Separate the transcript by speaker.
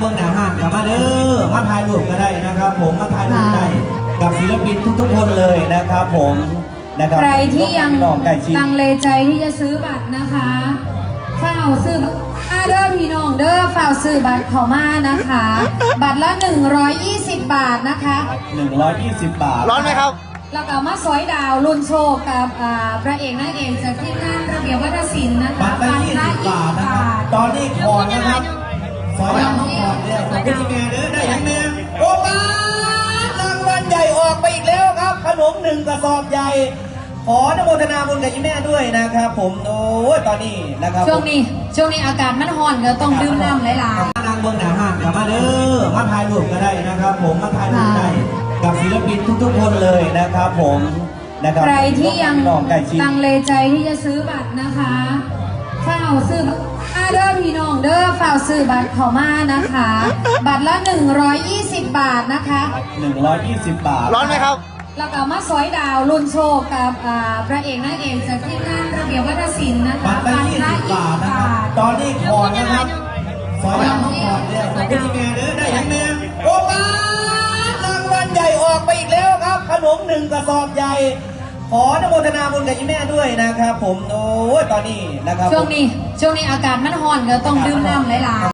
Speaker 1: เมืองหนาห้างกับมาเด้อมาถ่ายรูปก็ได้นะครับผมมาถ่ายรูปได้กับศิลปินทุกๆคนเลยนะครับผมนะครับ
Speaker 2: ใครที่ยังลังเลใจที่จะซื้อบัตรนะคะฝ้าวซื้อเด้อพี่น้องเด้อฝ้าวซื้อบัตรเข้ามานะคะ บัตรละ120 บาทนะคะ
Speaker 1: 120 บาท
Speaker 3: ร้อนไหมครับ
Speaker 2: แล้วก็มาสอยดาวรุ่นโชคกับพระเอกนางเอกจากทีมงานระเบียบวัฒนศิลป์นะคะ
Speaker 1: บัตรละ20 บาทนะครับตอนนี้ขอนะครับสอยดาวต้องขอเนี่ยขอบคุณที่แม่เด้อได้ยังแม่โอ้มารางวัลใหญ่ออกไปอีกแล้วครับขนม1 กระสอบใหญ่ขออนุโมทนาบุญกับยี่แม่ด้วยนะครับผมโอ้ยตอนนี้นะครับ
Speaker 2: ช่วงนี้อากาศมันร้อนก็ต้องดื่มน้ำหลาย
Speaker 1: ๆนางเมืองหนาห้างกับมาเด้อมาถ่ายรูปก็ได้นะครับผมมาถ่ายรูปได้กับศิลปินทุกๆคนเลยนะครับผมนะครับ
Speaker 2: ใครที่ยังลังเลใจที่จะซื้อบัตรนะคะฝ้าวซื้อเด้อพี่น้องเด้อฝ้าวซื้อบัตรเข้ามานะคะ บัตรละ120 บาทนะคะ
Speaker 1: 120 บาท
Speaker 3: ร้อนไหมครับ
Speaker 2: แล้วก็มาสอยดาวรุ่นโชคกับพระเอกนางเอกจากทีมงานระเบียบวัฒนศิลป์นะคะ
Speaker 1: บัตรละ20 บาทนะครับตอนนี้ขอนะครับสอยดาวต้องขอเนี่ยขอบคุณที่แม่เด้อได้ยังแม่โอ้มารางวัลใหญ่ออกไปอีกแล้วครับขนม1 กระสอบใหญ่ขออนุโมทนาบุญกับยี่แม่ด้วยนะครับผมโอ้ยตอนนี้นะครับ
Speaker 2: ช่วงนี้อากาศมันร้อนก็ต้องดื่มน้ำหลายๆ